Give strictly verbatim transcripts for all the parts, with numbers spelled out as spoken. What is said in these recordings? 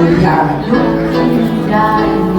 อยากลุกขึ้นได้ไหม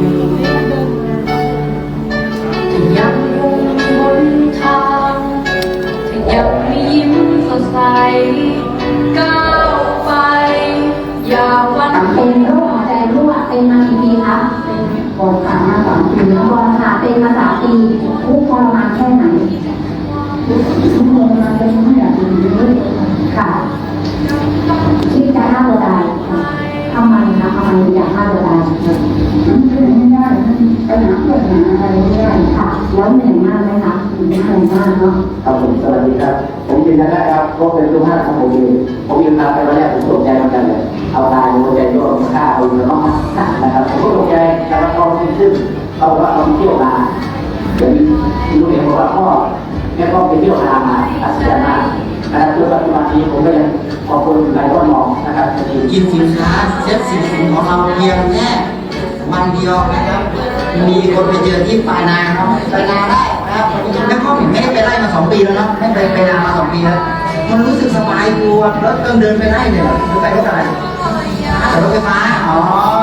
ถ้ายังมุ่งบนทางถ้ายังไม่ยิ้มสดใสก้าวไปอย่าหวั่นเป็นโรคหัวใจรั่วเป็นมากี่ปีคะเป็นปวดขามาสองปีแล้วพอค่ะเป็นมาสามปีทุกข์ทรมานแค่ไหนทุกข์ทรมานจนไม่อยากอยู่เลยค่ะคิดจะฆ่าตัวตายทำไมคะทำไมอยากฆ่าตัวตายไม่ได้ปัญหาปัญหาอะไรไม่ได้ค่ะแล้วเหนื่อยมากไหมคะเหนื่อยมากเนาะครับผมสวัสดีครับผมยืนยันได้ครับเพราะเป็นลูกห้าของผมเองผมยืนมาไปวันแรกผมตกใจเหมือนกันเลยเอาตายหัวใจโยนฆ่าเอาเงินน้องนะครับผมก็ตกใจแต่ว่าเขาขึ้นขึ้นเขาบอกว่าเขาเที่ยวมาเดี๋ยวลูกเองบอกว่าพ่อแม่พ่อไปเที่ยวมามาอัศจรรย์มากนะครับจนปัจจุบันนี้ผมก็ยังขอบคุณหลายคนมองนะครับกินสินค้าเซ็ตสินค้าของเราเพียงแค่วันเดียวนะครับมีคนไปเจอที่ปลายนาครับปลายนาได้นะครับแล้วก็ไม่ได้ไปไล่มาสองปีแล้วนะไม่ไปไปนามาสองปีแล้วมันรู้สึกสบายตัวแล้วต้องเดินไปไล่เนี่ยหรือไปรถอะไรแต่รถไฟฟ้าอ๋อ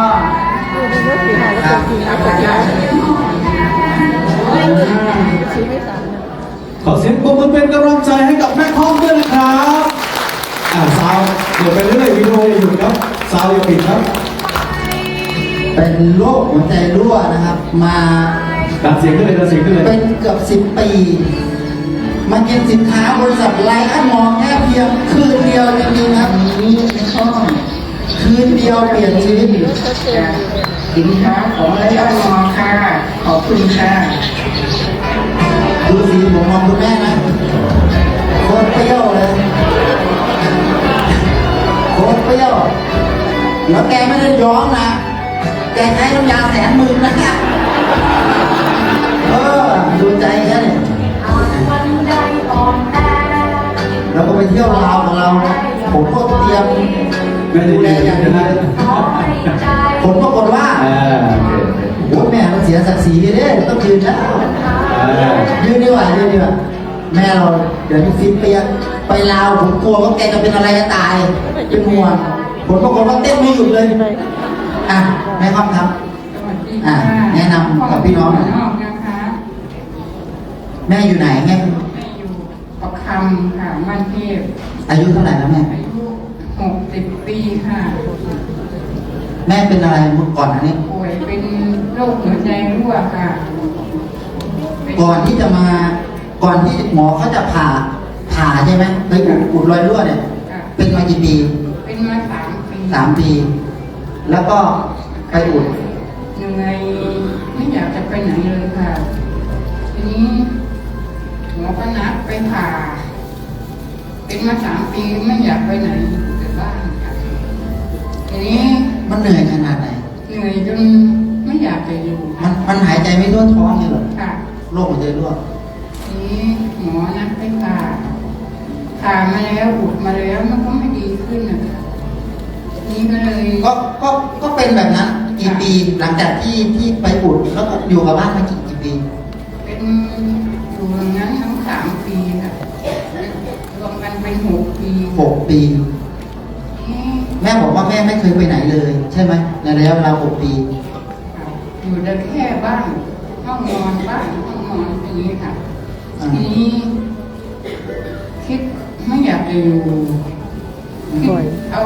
ขอเสียงปรบมือเป็นกำลังใจให้กับแม่คอมด้วยนะครับอ่าซาวเดี๋ยวไปเรื่อยวิดีโออย่าหยุดครับซาวอย่าปิดครับเป็นโรคหัวใจรั่วนะครับมาดัดเสียงขึ้นเลยดัดเสียงขึ้นเลยเป็นเกือบสิบปีมากินสินค้าบริษัทไลอ้อนมองแค่เพียงคืนเดียวจริงๆครับนี้ช่องคืนเดียวเปลี่ยนชีวิตสินค้าของไลอ้อนมองค่ะขอบคุณค่ะดูสิผมมองคุณแม่นะโคตรเปรี้ยวเลยโคตรเปรี้ยวแล้วแกไม่ได้ย้อมนะแกใช้น้ำยาแสนหมื่นนะเออดูใจแค่นี้เราก็ไปเที่ยวลาวของเราผมก็เตรียมดูแลอย่างดีผลปรากฏว่าโอ้แม่เราเสียศักดิ์ศรีเลยเนี่ยต้องยืนแล้วยืนดีกว่ายืนดีกว่าแม่เราเดี๋ยวนี้ฟิตเปียไปลาวผมกลัวว่าแกจะเป็นอะไรจะตายเป็นห่วงผลปรากฏว่าเต้นไม่หยุดเลยอ่ะแม่ครับครับอ่ะแนะนำกับพี่น้องแม่อยู่ไหนแม่อยู่ประคำค่ะบ้านเทพอายุเท่าไหร่แล้วแม่อายุหกสิบปีค่ะแม่เป็นอะไรเมื่อก่อนอันนี้ป่วยเป็นโรคหัวใจรั่วค่ะก่อนที่จะมาก่อนที่หมอเขาจะผ่าผ่าใช่ไหมไปอุดรอยรั่วเนี่ยเป็นมากี่ปีเป็นมาสามปีสามปีแล้วก็ไปอุดยังไงไม่อยากจะไปไหนเลยค่ะทีนี้หมอก็นัดไปผ่าเป็นมาสามปีไม่อยากไปไหนแต่บ้านค่ะทีนี้มันเหนื่อยขนาดไหนเหนื่อยจนไม่อยากจะอยู่มันมันหายใจไม่ทั่วท้องเลยหรอค่ะโรคหัวใจรั่วทีนี้หมอนัดไปผ่าผ่ามาแล้วอุดมาแล้วมันก็ไม่ดีขึ้นนะคะนี่ก็เลยก็ก็ก็เป็นแบบนั้นกี่ปีหลังจากที่ที่ไปอุดแล้วก็อยู่กับบ้านมากี่กี่ปีเป็นอยู่อย่างนั้นทั้งสามปีค่ะรวมกันเป็นหกปีหกปีแม่บอกว่าแม่ไม่เคยไปไหนเลยใช่ไหมในระยะเวลาหกปีอยู่ได้แค่บ้านห้องนอนบ้านห้องนอนอย่างนี้ค่ะทีนี้คิดไม่อยากจะอยู่คิดเอา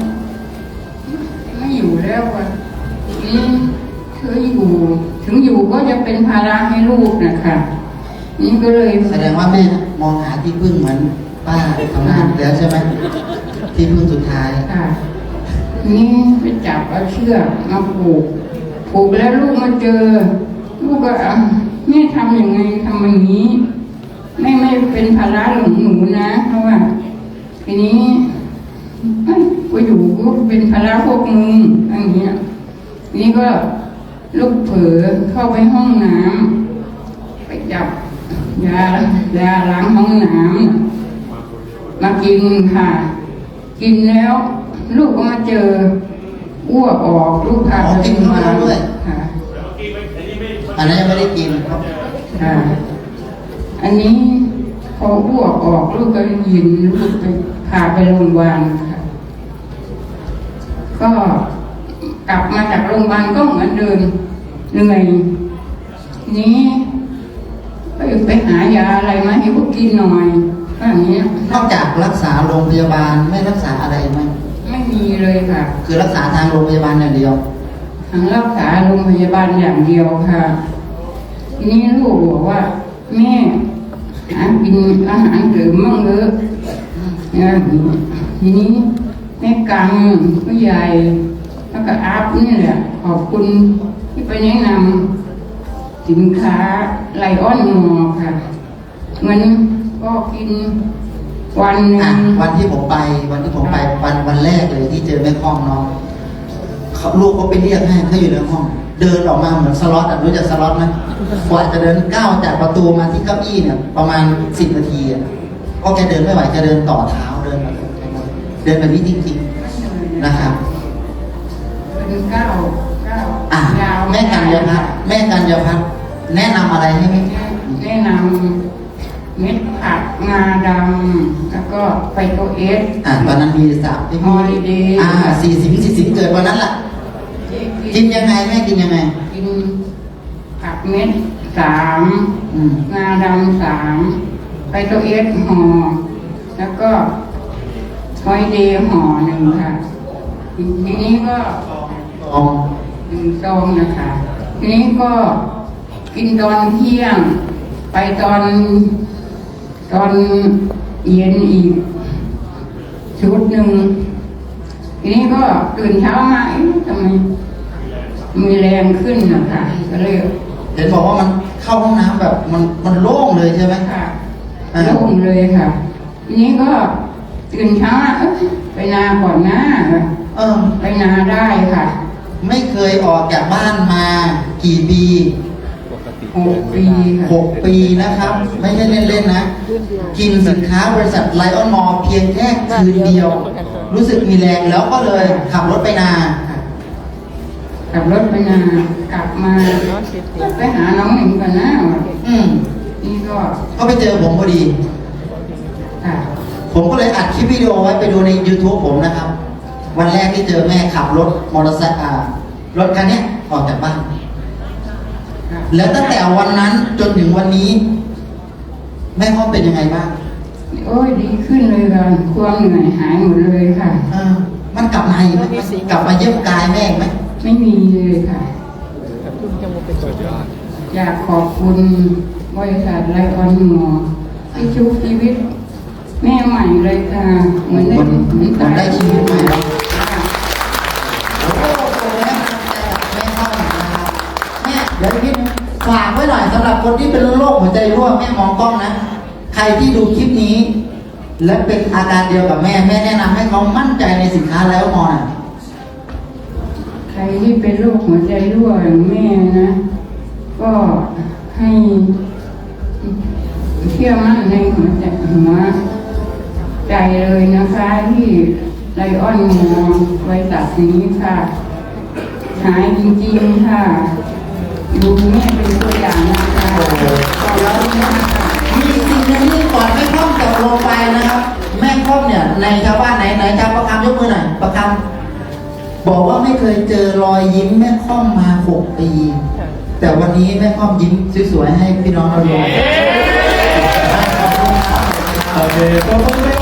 ไม่อยู่แล้วอ่ะนี่เธออยู่ถึงอยู่ก็จะเป็นภาระให้ลูกนะคะนี่ก็เลยแสดงว่าแม่มองหาที่พึ่งเหมือนป้าทำงานแล้วใช่ไหมที่พึ่งสุดท้ายค่ะนี่ไปจับเอาเชือกมาผูกผูกแล้วลูกมาเจอลูกก็แม่ทำยังไงทำอย่างนี้ไม่ไม่เป็นภาระของหนูนะเพราะว่าทีนี้กูอยู่กูเป็นภาระพวกมึงอย่างเงี้ยนี่ก็ลูกเผลอเข้าไปห้องน้ำไปจับยายาล้างห้องน้ำมากินค่ะกินแล้วลูกก็มาเจออ้วกออกลูกพาไปกินมาด้วยค่ะอันนั้นยังไม่ได้กินครับค่ะอันนี้พออ้วกออกลูกก็ยินลูกไปพาไปโรงพยาบาลค่ะก็ลับมาจากโรงพยาบาลก็เหมือนเดิมเหนื่อยทีนี้ก็ไปหายาอะไรมาให้พวกกินหน่อยก็อย่างนี้นอกจากรักษาโรงพยาบาลไม่รักษาอะไรไหมไม่มีเลยค่ะคือรักษาทางโรงพยาบาลอย่างเดียวทางรักษาโรงพยาบาลอย่างเดียวค่ะ ทีนี้ลูกบอกว่าแม่หากินอาหารเสริมมั่งเถอะเนี่ยทีนี้แม่กังผู้ใหญ่แล้วก็อาบนี่แหละขอบคุณที่ไปแนะนำสินค้าไลออนมอค่ะเงินก็กินวันหนึ่อ่ะงวันที่ผมไปวันที่ผมไปวันวันแรกเลยที่เจอแม่คล่องน้องเขาลูกก็ไปเรียกให้เขาอยู่ในห้อง เดินออกมาเหมือนสล็อตอ่ะรู้จักสล็อตไหมกว่าจะเดินก้าวจากประตูมาที่เก้าอี้เนี่ยประมาณสิบนาทีอ่ะก็แกเดินไม่ไหวแกเดินต่อเท้าเดินแบบเดินแบบนี้จริงๆนะครับเป็นเก้าเก้าอ่ะยาวแม่กัญญาพัฒน์แม่กัญญาพัฒน์แนะนำอะไรให้ไหมแนะนำเม็ดผักงาดำแล้วก็ไฟโตเอสอ่ะตอนนั้นมีสามที่มี Holiday อ่าสี่สิบสี่สิบเกิดวันนั้นแหละกินยังไงแม่กินยังไงกินผักเม็ดสามอืมงาดำสามไฟโตเอสห่อแล้วก็ฮอยเดย์ห่อหนึ่งค่ะทีนี้ก็ลองหนึ่งซองนะคะ ทีนี้ก็กินตอนเที่ยง ไปตอนตอนเย็นอีกชุดหนึ่งทีนี้ก็ตื่นเช้ามาเอ๊ะทำไมมีแรงขึ้นนะคะก็เลยเห็นบอกว่ามันเข้าห้องน้ำแบบมันมันโล่งเลยใช่ไหมค่ะโล่งเลยค่ะ ทีนี้ก็ตื่นเช้ามาเอ๊ะไปนาก่อนนะเออไปนาได้ค่ะไม่เคยออกจากบ้านมากี่ปีหกปีค่ะหกปีนะครับ ไม่ใช่เล่นๆนะ กินสินค้าบริษัทไลออนมอลเพียงแค่คืนเดียว รู้สึกมีแรงแล้วก็เลยขับรถไปนาค่ะขับรถไปนากลับมาไปหาน้องหนิงก่อนนะอืมนี่ก็ก็ไปเจอผมพอดีค่ะผมก็เลยอัดคลิปวิดีโอไว้ไปดูใน YouTube ผมนะครับ วันแรกที่เจอแม่ขับรถมอเตอร์ไซค์อ่ารถคันเนี้ยออกจากบ้านค่ะแล้วตั้งแต่วันนั้นจนถึงวันนี้ แม่พ่อเป็นยังไงบ้างโอ้ยดีขึ้นเลยค่ะความเหนื่อยหายหมดเลยค่ะเออมันกลับมาอีกไหมมันกลับมาเยี่ยมกายแม่อีกไหมไม่มีเลยค่ะ อยากขอบคุณบริษัทไลออนมอที่ชุบชีวิต แม่ใหม่เลยค่ะ เหมือนได้มันเหมือนมันได้ชีวิตใหม่แล้วค่ะโอ้โหแม่พ่อนะครับแม่เดี๋ยวนิดนึงฝากไว้หน่อยสำหรับคนที่เป็นโรคหัวใจรั่วแม่มองกล้องนะ ใครที่ดูคลิปนี้ และเป็นอาการเดียวกับแม่แม่แนะนำให้เขามั่นใจในสินค้าแล้วมอน่ะใครที่เป็นโรคหัวใจรั่วอย่างแม่นะ ก็ให้เชื่อมั่นในหัวใจหัวใจเลยนะคะที่ไลออนมอบริษัทนี้ค่ะ หายจริงๆค่ะ ดูแม่เป็นตัวอย่างนะคะขอบคุณมากค่ะมีสิ่งหนึงที่ก่อนแม่ค่อมจะลงไปนะครับ แม่ค่อมเนี่ยในชาวบ้านไหนไหนชาวประคำยกมือหน่อยประคำบอกว่าไม่เคยเจอรอยยิ้มแม่ค่อมมาหกปี แต่วันนี้แม่ค่อมยิ้มสวยๆให้พี่น้องเราดูโอเคขอบคุณ